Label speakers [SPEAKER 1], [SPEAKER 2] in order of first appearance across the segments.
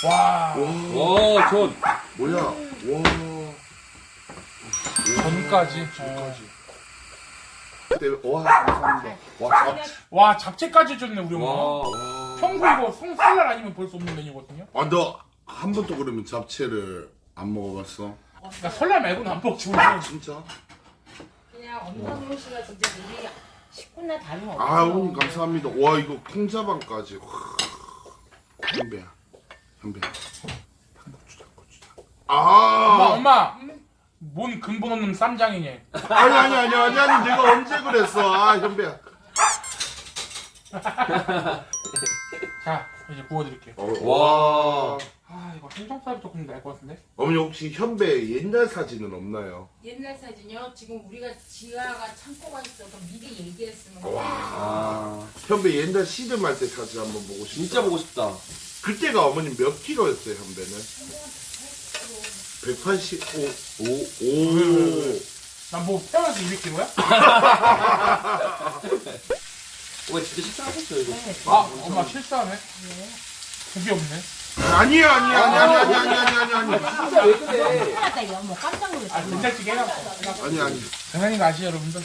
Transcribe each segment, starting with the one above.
[SPEAKER 1] 와.
[SPEAKER 2] 와, 전.
[SPEAKER 3] 뭐야? 와.
[SPEAKER 1] 전까지.
[SPEAKER 3] 그때 와 감사합니다. 와 잡.
[SPEAKER 1] 와, 잡채까지 해줬네, 우리 엄마.
[SPEAKER 2] 와.
[SPEAKER 1] 평소 이거 설날 아니면 볼 수 없는 메뉴거든요.
[SPEAKER 3] 너 한 번도 그러면 잡채를 안 먹어봤어?
[SPEAKER 1] 나 설날 말고는 안 먹지, 우리.
[SPEAKER 3] 진짜?
[SPEAKER 4] 그냥 엄성용 씨가 진짜 우리 식구나 다름없어.
[SPEAKER 3] 아 어머님 감사합니다. 와 이거 콩자반까지. 현배야. 고추장.
[SPEAKER 1] 엄마. 뭔 근본 없는 쌈장이냐.
[SPEAKER 3] 아니 내가 언제 그랬어? 아 현배야.
[SPEAKER 1] 자, 이제 구워드릴게요.
[SPEAKER 3] 와.
[SPEAKER 1] 아, 이거 생선살이 조금 날 것 같은데?
[SPEAKER 3] 어머니 혹시 현배 옛날 사진은 없나요?
[SPEAKER 4] 옛날 사진이요? 지금 우리가 지하가 창고가 있어서 미리 얘기했으면
[SPEAKER 2] 아.
[SPEAKER 3] 현배 옛날 씨름할 때 사진 한번 보고 싶다.
[SPEAKER 2] 진짜 보고 싶다.
[SPEAKER 3] 그때가 어머님 몇 킬로였어요 현배는? 185. 오.
[SPEAKER 1] 난 뭐 태어나서 200kg야?
[SPEAKER 2] 와, 진짜 식사하셨어요, 이거.
[SPEAKER 1] 아, 엄마 실수하네. 고기 없네.
[SPEAKER 3] 아니.
[SPEAKER 2] 진짜 왜 그래?
[SPEAKER 4] 신기하다 야, 뭐 깜짝 놀랐어.
[SPEAKER 1] 아, 된장찌개 해놨어.
[SPEAKER 3] 아니.
[SPEAKER 1] 당연히 아시죠, 여러분들.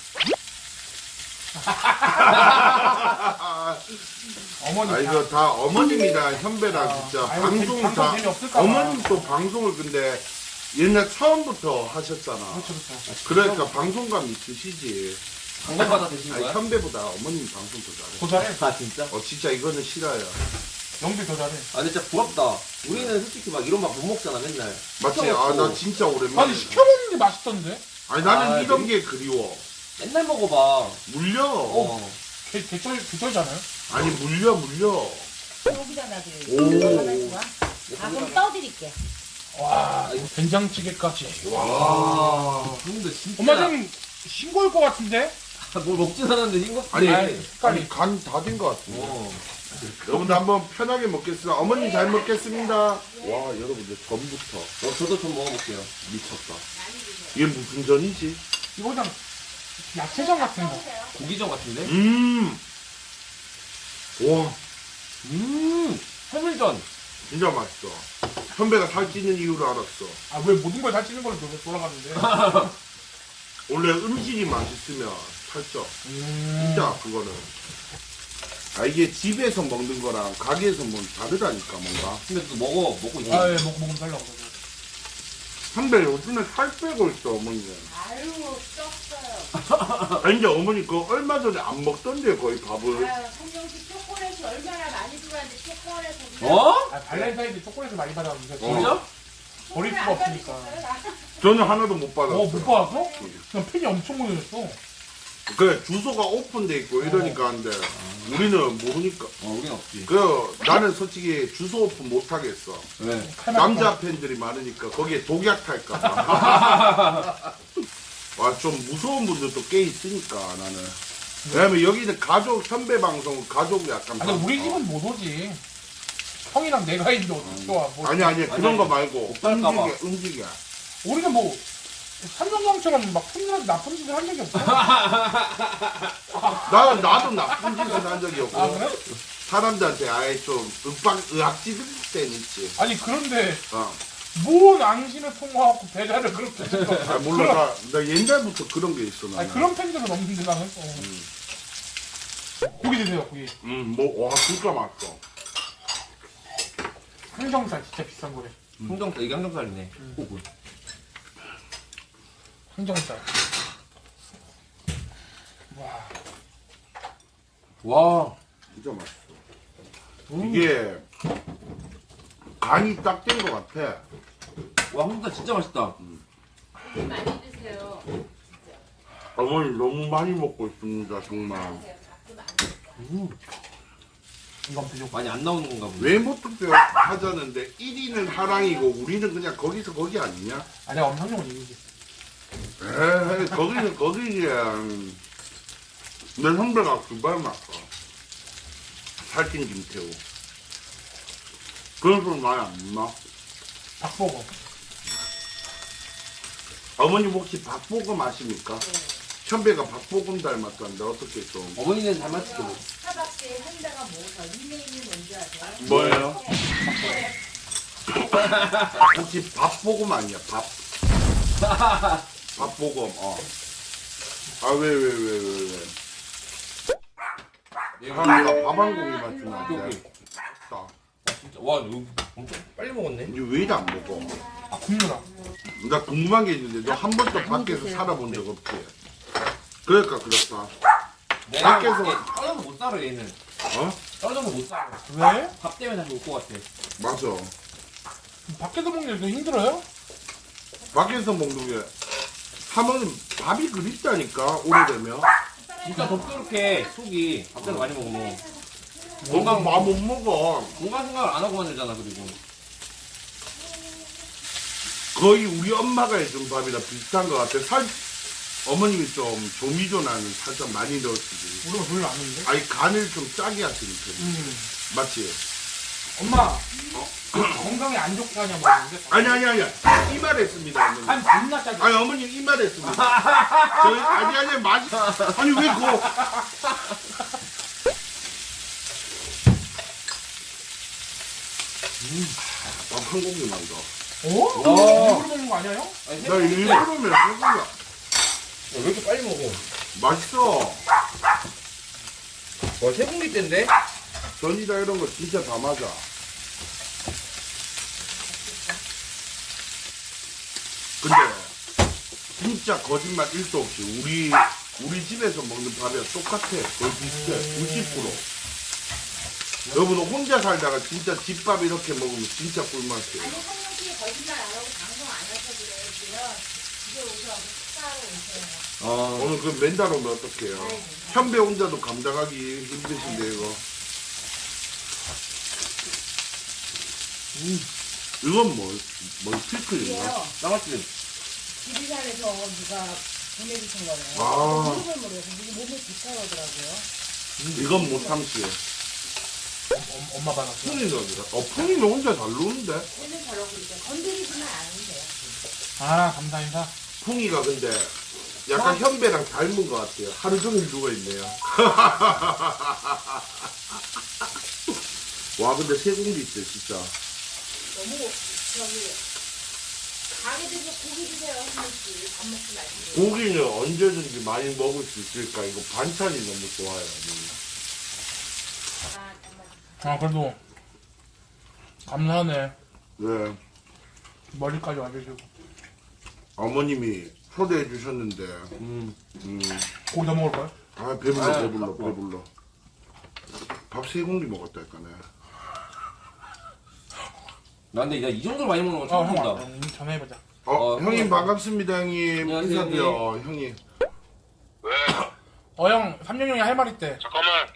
[SPEAKER 1] 어머니.
[SPEAKER 3] 아 이거 다 어머님이랑 현배랑 진짜
[SPEAKER 1] 아이고,
[SPEAKER 3] 방송
[SPEAKER 1] 방송
[SPEAKER 3] 다
[SPEAKER 1] 재미없을까 봐.
[SPEAKER 3] 어머님 또 방송을 근데 옛날 처음부터 하셨잖아.
[SPEAKER 1] 그렇죠.
[SPEAKER 3] 그러니까 방송감 있으시지.
[SPEAKER 2] 방송받아 드신
[SPEAKER 3] 아니
[SPEAKER 2] 거야?
[SPEAKER 3] 현배보다 어머님 방송 더 잘해.
[SPEAKER 1] 더 잘해.
[SPEAKER 2] 아, 진짜?
[SPEAKER 3] 진짜 이거는 싫어요.
[SPEAKER 1] 영비 더 잘해.
[SPEAKER 2] 아, 근데 진짜 부럽다. 우리는 솔직히 막 이런 맛 못 먹잖아, 맨날.
[SPEAKER 3] 맞지?
[SPEAKER 2] 시켜먹고.
[SPEAKER 3] 나 진짜 오랜만에.
[SPEAKER 1] 아니, 시켜먹는 게 맛있던데?
[SPEAKER 3] 아니 나는
[SPEAKER 2] 아,
[SPEAKER 3] 이런 게 그리워.
[SPEAKER 2] 맨날 먹어봐.
[SPEAKER 3] 물려.
[SPEAKER 2] 어.
[SPEAKER 1] 개쩔잖아요?
[SPEAKER 3] 아니 물려.
[SPEAKER 4] 여기다 놔둬요.
[SPEAKER 3] 오.
[SPEAKER 4] 가만히 와. 아, 그럼 떠드릴게.
[SPEAKER 1] 와, 된장찌개까지.
[SPEAKER 2] 와. 근데 진짜.
[SPEAKER 1] 엄마 좀 싱거울 것 같은데?
[SPEAKER 2] 뭘 먹진 않았는데 싱겁지.
[SPEAKER 3] 아니,
[SPEAKER 1] 색깔이.
[SPEAKER 3] 아니 간 다 된 것 같은데.
[SPEAKER 2] 어.
[SPEAKER 3] 여러분들 한번 편하게 먹겠습니다. 어머니 잘 먹겠습니다. 와 여러분들 전부터
[SPEAKER 2] 저도 좀 먹어볼게요.
[SPEAKER 3] 미쳤다. 이게 무슨 전이지?
[SPEAKER 1] 이거 그냥 야채전 같은 거.
[SPEAKER 2] 고기전 같은데?
[SPEAKER 3] 와
[SPEAKER 2] 해물전.
[SPEAKER 3] 진짜 맛있어. 현배가 살찌는 이유를 알았어.
[SPEAKER 1] 아, 왜 모든 걸 살찌는 걸로 돌아가는데?
[SPEAKER 3] 원래 음식이 맛있으면 살쪄. 진짜 그거는. 이게 집에서 먹는 거랑 가게에서 먹는 다르다니까 뭔가.
[SPEAKER 2] 근데 또 먹고 있는
[SPEAKER 1] 아, 예, 먹으면 살려고.
[SPEAKER 3] 현배 요즘에 살 빼고 있어 어머니.
[SPEAKER 4] 아유, 쪘어요.
[SPEAKER 3] 아니 근데 어머니 그거 얼마 전에 안 먹던데 거의 밥을.
[SPEAKER 4] 아유, 성경씨 초콜릿이 얼마나 많이 좋아하는데 초콜릿을.
[SPEAKER 2] 어?
[SPEAKER 1] 아, 발렌타인데 초콜릿을 많이 받았는데.
[SPEAKER 2] 진짜?
[SPEAKER 1] 버릴 수가 없으니까.
[SPEAKER 3] 저는 하나도 못 받았어.
[SPEAKER 1] 못 받았어? 그냥 팬이 엄청 모여졌어.
[SPEAKER 3] 그래 주소가 오픈돼 있고 이러니까 한데 우리는 모르니까.
[SPEAKER 2] 우린 없지.
[SPEAKER 3] 나는 솔직히 주소 오픈 못 하겠어.
[SPEAKER 2] 왜?
[SPEAKER 3] 남자 팬들이 많으니까 거기에 독약 탈까봐. 와 좀 무서운 분들도 꽤 있으니까 나는. 왜냐면 여기는 가족 현배 방송 가족 약간.
[SPEAKER 1] 아니, 우리 집은 못 오지. 형이랑 내가 있는데 어떻게 와. 뭐.
[SPEAKER 3] 아니 그런 거 말고
[SPEAKER 2] 갈까봐.
[SPEAKER 3] 움직여.
[SPEAKER 1] 우리는 뭐, 삼성경처럼 막 나쁜 짓을 한 적이 없어.
[SPEAKER 3] 나도 나쁜 짓은 한 적이 없고.
[SPEAKER 1] 아, 그래?
[SPEAKER 3] 사람들한테 아예 좀 의학지들 때는 있지.
[SPEAKER 1] 아니, 그런데,
[SPEAKER 3] 어.
[SPEAKER 1] 뭔 앙신을 통화하고 배달을 그렇게 해서.
[SPEAKER 3] 아 몰라 나 옛날부터 그런 게 있어 나는.
[SPEAKER 1] 아니, 그런 팬들은 없는데 나는. 고기 드세요, 고기.
[SPEAKER 3] 와 진짜 맛있어.
[SPEAKER 1] 항정살 진짜 비싼 거래.
[SPEAKER 2] 항정살, 이게 항정살이네. 호구.
[SPEAKER 1] 항정살. 와.
[SPEAKER 3] 와 진짜 맛있어. 이게 간이 딱 된 것 같아.
[SPEAKER 2] 와, 항정살 진짜 맛있다.
[SPEAKER 4] 많이 드세요.
[SPEAKER 3] 어머니 너무 많이 먹고 있습니다 정말.
[SPEAKER 1] 이거 한번 드셔.
[SPEAKER 2] 많이 안 나오는 건가 보네.
[SPEAKER 3] 외모 투표 하자는데 1위는 하랑이고 우리는 그냥 거기서 거기 아니냐?
[SPEAKER 1] 아니야, 엄상용은 이기지.
[SPEAKER 3] 에이 거기는 거기지. 내 선배가 그발 맞어. 살찐 김태우. 그런 소리 많이 안 나.
[SPEAKER 1] 박보고.
[SPEAKER 3] 어머님 혹시 박보검 아십니까? 현배가 박보검 닮았다는데 어떻게 좀.
[SPEAKER 2] 어머니는 닮았지.
[SPEAKER 4] 스타벅스에 현대가 모아서 닉네임이 뭔지 아세요?
[SPEAKER 3] 뭐예요? 혹시 밥보검 아니야? 밥보검. 아 왜? 하나가 밥 한 공기만 주면 안 돼? 맛있다.
[SPEAKER 2] 진짜 와 이거 엄청 빨리 먹었네.
[SPEAKER 3] 이거 왜 이리 안 먹어?
[SPEAKER 1] 아 굽느라.
[SPEAKER 3] 나 궁금한 게 있는데 너 한 번도 밖에서 살아본 적 없지? 그러니까 그렇다.
[SPEAKER 2] 내가
[SPEAKER 3] 밖에서-
[SPEAKER 2] 떨어져서 못 살아 얘는.
[SPEAKER 3] 어?
[SPEAKER 2] 떨어져서 못 살아.
[SPEAKER 1] 왜?
[SPEAKER 2] 밥 때문에 다시 올 것 같아.
[SPEAKER 3] 맞아.
[SPEAKER 1] 밖에서 먹는 게 힘들어요?
[SPEAKER 3] 밖에서 먹는 게 하면 밥이 그립다니까 오래되면.
[SPEAKER 2] 진짜 덥게 속이 밥대로 많이 먹으면
[SPEAKER 3] 건강 밥못 먹어.
[SPEAKER 2] 건강 생각을 안 하고 만들잖아 그리고.
[SPEAKER 3] 거의 우리 엄마가 해준 밥이랑 비슷한 것 같아. 어머님이 좀 조미조나는 살짝 많이 넣었지.
[SPEAKER 1] 우리가 별로 안 했는데.
[SPEAKER 3] 아니 간을 좀 짜게 하시니까. 맞지?
[SPEAKER 1] 엄마. 건강에 안 좋게 하냐 먹는데.
[SPEAKER 3] 아니. 이 말 했습니다, 어머니.
[SPEAKER 1] 한 존나 짜게.
[SPEAKER 3] 아니, 어머니 이 말 했습니다. 아니, 맛이. 아니, 왜 그거. 밥 한 공기만 더.
[SPEAKER 1] 어?
[SPEAKER 2] 와.
[SPEAKER 1] 일부러 먹는 거 아니야 형?
[SPEAKER 2] 아니,
[SPEAKER 3] 나 일부러면 소금이야.
[SPEAKER 2] 왜 이렇게 빨리 먹어?
[SPEAKER 3] 맛있어.
[SPEAKER 2] 와 세공기 때인데?
[SPEAKER 3] 전이다 이런 거 진짜 다 맞아. 근데 진짜 거짓말 1도 없이 우리 집에서 먹는 밥이랑 똑같아. 거의 비슷해. 90%. 여러분 혼자 살다가 진짜 집밥 이렇게 먹으면 진짜 꿀맛이에요.
[SPEAKER 4] 아니 한명씩 거짓말 안 하고 방송 안 해서 그래요. 집에 오셔서 식사하러 오세요.
[SPEAKER 3] 오늘 그 맨날 오면 어떡해요? 현배 혼자도 감당하기 힘드신데 이거. 이건 뭐 피클인가?
[SPEAKER 4] 이게요.
[SPEAKER 2] 쌍화집.
[SPEAKER 4] 지리산에서 누가 보내주신 거예요.
[SPEAKER 3] 아.
[SPEAKER 4] 이름을 모르겠어. 이게 몸에 좋다고 하더라고요.
[SPEAKER 3] 이건 못 참지.
[SPEAKER 1] 엄마 받았어.
[SPEAKER 3] 푼이는 푼이는 혼자 잘 노는데?
[SPEAKER 4] 얘는 저러고 이제 건드리지만 않으세요.
[SPEAKER 1] 아 감사 인사.
[SPEAKER 3] 풍이가 근데 약간 현배랑 닮은 것 같아요. 하루 종일 누워있네요. 와 근데 세 공기 있어 진짜.
[SPEAKER 4] 너무 저기 가게 되서 고기 드세요. 한 번씩 밥 먹지 말고.
[SPEAKER 3] 고기는 언제든지 많이 먹을 수 있으니까 이거 반찬이 너무 좋아요.
[SPEAKER 4] 아, 정말.
[SPEAKER 1] 아 그래도 감사하네.
[SPEAKER 3] 네.
[SPEAKER 1] 머리까지 와주시고.
[SPEAKER 3] 어머님이 초대해 주셨는데
[SPEAKER 1] 고기 더 먹을 거야?
[SPEAKER 3] 아 배불러. 밥 세 공기 먹었다니까네.
[SPEAKER 2] 나 근데 이 정도로 많이 먹는 건 처음
[SPEAKER 1] 형
[SPEAKER 2] 본다.
[SPEAKER 1] 전화해보자.
[SPEAKER 3] 형님 반갑습니다 형님.
[SPEAKER 2] 안녕하세요,
[SPEAKER 3] 인사드려 형님.
[SPEAKER 1] 형 3년 형이 할 말 있대.
[SPEAKER 5] 잠깐만.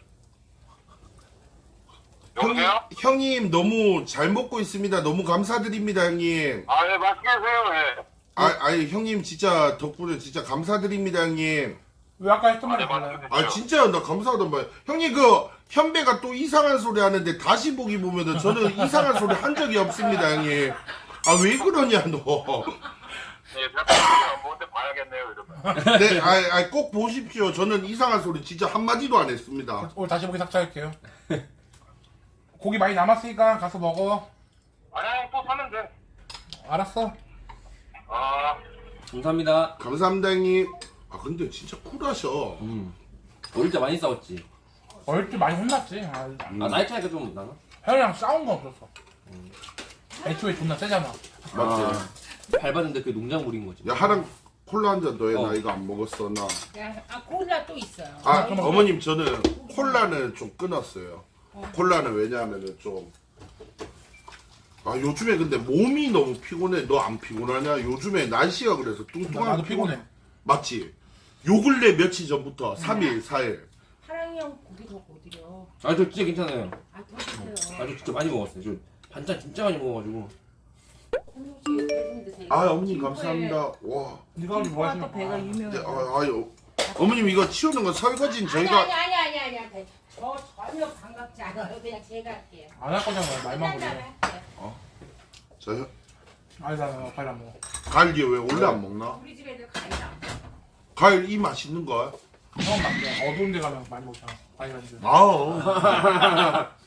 [SPEAKER 5] 여보세요?
[SPEAKER 3] 형님 너무 잘 먹고 있습니다. 너무 감사드립니다 형님.
[SPEAKER 5] 아, 예, 맛있게 드세요, 예.
[SPEAKER 3] 아니 형님 진짜 덕분에 진짜 감사드립니다 형님.
[SPEAKER 1] 왜 아까 했던 말이
[SPEAKER 5] 네,
[SPEAKER 1] 달라요?
[SPEAKER 5] 맛있게
[SPEAKER 3] 아
[SPEAKER 5] 드세요.
[SPEAKER 3] 진짜 나 감사하단 말이야. 형님 그 현배가 또 이상한 소리 하는데 다시 보기 보면은 저는 이상한 소리 한 적이 없습니다 형님. 아 왜 그러냐 너.
[SPEAKER 5] 예, 제가 안 보는데 봐야겠네요, 이러면.
[SPEAKER 3] 네, 꼭 보십시오. 저는 이상한 소리 진짜 한 마디도 안 했습니다.
[SPEAKER 1] 오늘 다시 보기 삭제할게요. 고기 많이 남았으니까 가서 먹어.
[SPEAKER 5] 아니, 또 사면 돼.
[SPEAKER 1] 알았어.
[SPEAKER 5] 아,
[SPEAKER 2] 감사합니다.
[SPEAKER 3] 감사합니다 형님. 아 근데 진짜 쿨하셔.
[SPEAKER 2] 어릴 때 많이 싸웠지.
[SPEAKER 1] 어릴 때 많이 혼났지. 아,
[SPEAKER 2] 아 나이 차이가 좀 나나?
[SPEAKER 1] 형이랑 싸운 건 없었어. 애초에 존나 세잖아.
[SPEAKER 3] 맞지?
[SPEAKER 2] 밟았는데 그게 농작물인 거지.
[SPEAKER 3] 야 하랑 콜라 한 잔 더 해. 나
[SPEAKER 2] 어.
[SPEAKER 3] 이거 안 먹었어 나.
[SPEAKER 4] 콜라 또 있어요.
[SPEAKER 3] 아 어머님 저는 콜라는 좀 끊었어요. 콜라는 왜냐하면은 좀. 아 요즘에 근데 몸이 너무 피곤해. 너 안 피곤하냐? 요즘에 날씨가 그래서 뚱뚱한.
[SPEAKER 1] 나도 피곤해.
[SPEAKER 3] 맞지? 요 근래 며칠 전부터 3일, 4일.
[SPEAKER 4] 하랑이 형 고기 더 못 드려.
[SPEAKER 2] 아 저 진짜 괜찮아요.
[SPEAKER 4] 아, 더 드세요.
[SPEAKER 2] 아 저 진짜 많이 먹었어요. 저 반찬 진짜 많이 먹어가지고.
[SPEAKER 4] 한명씩 빼준 드세요.
[SPEAKER 3] 아 어머님 감사합니다. 와.
[SPEAKER 1] 네가 오늘 뭐 하시면
[SPEAKER 4] 배가
[SPEAKER 3] 네,
[SPEAKER 4] 유명해요.
[SPEAKER 3] 아유. 어머님 이거 치우는 건 설거지는
[SPEAKER 4] 아니,
[SPEAKER 3] 저희가.
[SPEAKER 4] 아니. 저 전혀 반갑지 않아요. 그냥 제가 할게요.
[SPEAKER 1] 안 할 거잖아. 말만
[SPEAKER 4] 끝난
[SPEAKER 1] 보내.
[SPEAKER 4] 다음에 할게요.
[SPEAKER 3] 저
[SPEAKER 1] 아니 나 과일 안 먹어.
[SPEAKER 3] 과일 왜 원래 안 먹나?
[SPEAKER 4] 우리 집 애들 과일 안 먹어.
[SPEAKER 3] 과일 이 맛있는 거?
[SPEAKER 1] 형은 막 그냥 어두운 데 가면 많이 먹잖아. 과일 안 줘.
[SPEAKER 3] 아우.